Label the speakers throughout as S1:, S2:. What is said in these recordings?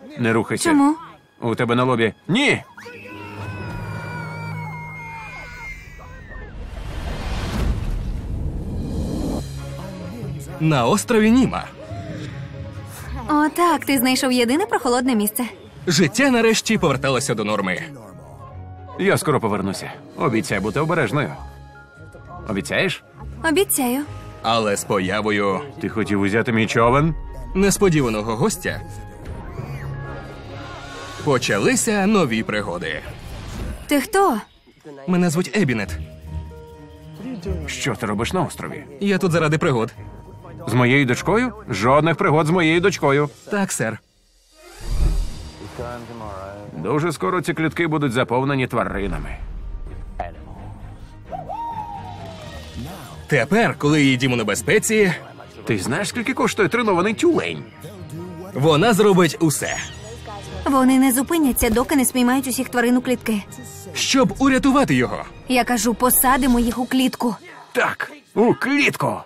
S1: Не рухайся.
S2: Чому?
S1: У тебе на лобі. Ні!
S3: На острові Німа.
S2: О, так, ти знайшов єдине прохолодне місце.
S3: Життя нарешті поверталося до норми.
S1: Я скоро повернуся. Обіцяй бути обережною. Обіцяєш?
S2: Обіцяю.
S3: Але з появою
S1: Ти хотів узяти мій човен?
S3: несподіваного гостя почалися нові пригоди.
S2: Ти хто?
S3: Мене звуть Ебінет.
S1: Що ти робиш на острові?
S3: Я тут заради пригод.
S1: З моєю дочкою? Жодних пригод з моєю дочкою.
S3: Так, сер.
S1: Дуже скоро ці клітки будуть заповнені тваринами.
S3: Тепер, коли її дім у небезпеці,
S1: Ти знаєш, скільки коштує тренований тюлень?
S3: вона зробить усе,
S2: Вони не зупиняться, доки не спіймають усіх тварин у клітки.
S3: щоб урятувати його.
S2: Я кажу, посадимо їх у клітку.
S1: Так, у клітку.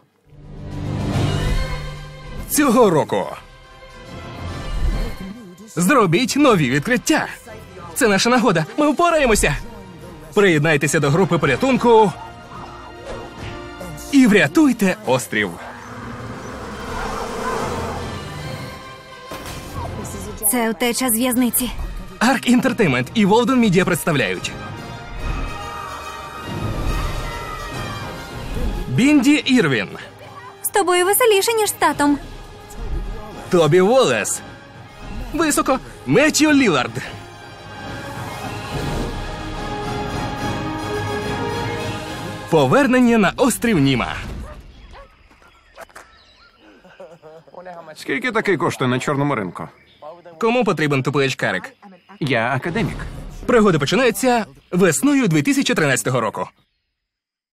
S3: Цього року. Зробіть нові відкриття. Це наша нагода. Ми впораємося. Приєднайтеся до групи порятунку і врятуйте острів.
S2: Це втеча з в'язниці.
S3: Арк Інтертеймент і Волден Мідіа представляють Бінді Ірвін,
S2: З тобою веселіше, ніж з татом.
S3: Тобі Волес, високо, Меттью Лілард, повернення на острів Німа.
S1: Скільки такий коштує на чорному ринку?
S3: Кому потрібен тупий очкарик?
S1: Я академік.
S3: Пригоди починаються весною 2013 року.